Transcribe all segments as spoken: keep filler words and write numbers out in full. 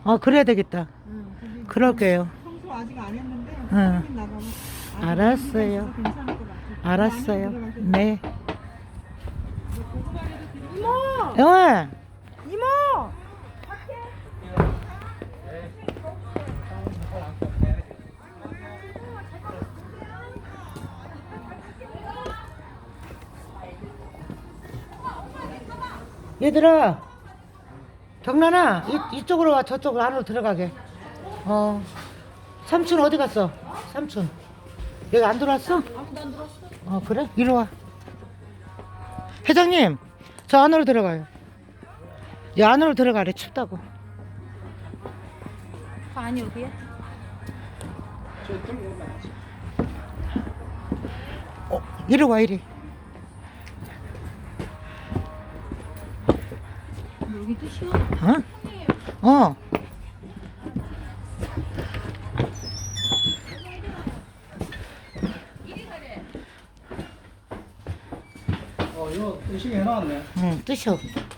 어, 그래야 되겠다. 응, 거기 그럴게요. 청소 아직 안 했는데 응. 사장님 나가면 아직 알았어요. 준비가 있어서 괜찮을 것 같아. 알았어요. 안에 들어갈 때 네. 이모! 영아, 이모! 얘들아, 경란아, 이, 이쪽으로 와. 저쪽으로 안으로 들어가게. 어, 삼촌 어디 갔어? 삼촌. 여기 안 들어왔어? 아무도 안 들었어. 어, 그래? 이리 와. 회장님, 저 안으로 들어가요. 이 안으로 들어가래. 춥다고. 아니 어디야? 어, 이리 와, 이리. 여기 또 시원. 어? 어. 어, 이거 의식이 해놨네. 응, 뜨셔.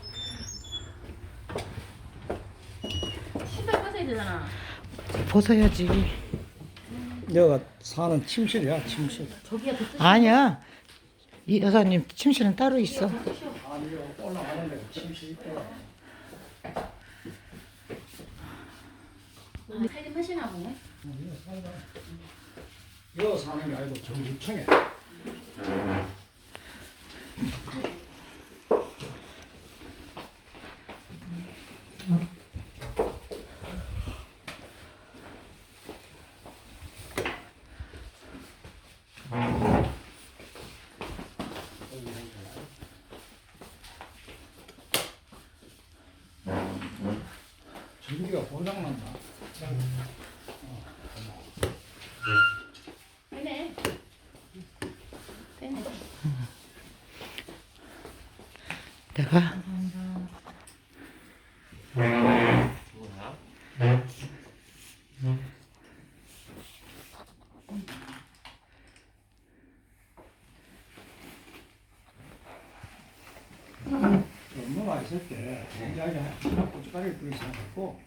신발 벗어야 되잖아. 벗어야지. 여기가 사는 침실이야, 침실. 저기야 더 아니야. 이 여사님 침실은 따로 있어. 아니, 여기 올라가는 데가 침실 있더라. 살림하시나 보네. 여기 사는 게 아니고 정주청에. 전기가 고장난다. 빼네. 빼네. 내가 엄마가 있을 때 이야기 고춧가루를 뿌리지 않고